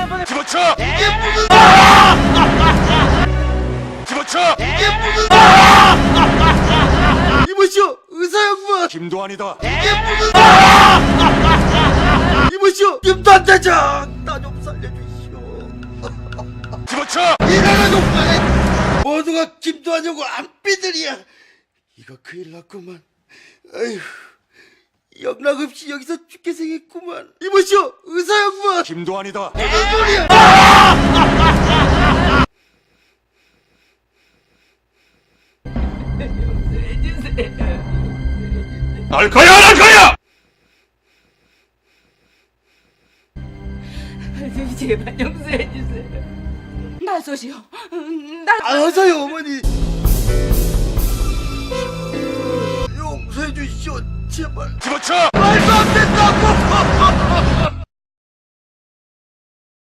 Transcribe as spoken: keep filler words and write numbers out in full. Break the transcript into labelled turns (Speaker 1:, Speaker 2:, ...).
Speaker 1: 날 뻔해.
Speaker 2: 집어쳐!
Speaker 3: 이게 무슨
Speaker 2: 집어쳐!
Speaker 3: 이게 무슨 이보시오 의사 양반.
Speaker 2: 김도환이다.
Speaker 3: 이게 무슨 이보시오 김단대장 나 좀 살려주시오.
Speaker 2: 집어쳐!
Speaker 3: 이나라 동안에 모두가 김도하냐고 안삐들이야. 이거 큰일 났구만. 아휴 영락없이 여기서 죽게 생겼구만. 이보시오 의사 양반.
Speaker 2: 김도환이다.
Speaker 3: 무슨 소리야.
Speaker 2: 날 거야 안 할 거야!
Speaker 1: 제발 용서해주세요. 나서시오. 나
Speaker 3: 알아서요 어머니. 용서해 주시오 제발.
Speaker 2: 집어쳐!
Speaker 3: 말도 안 된다고.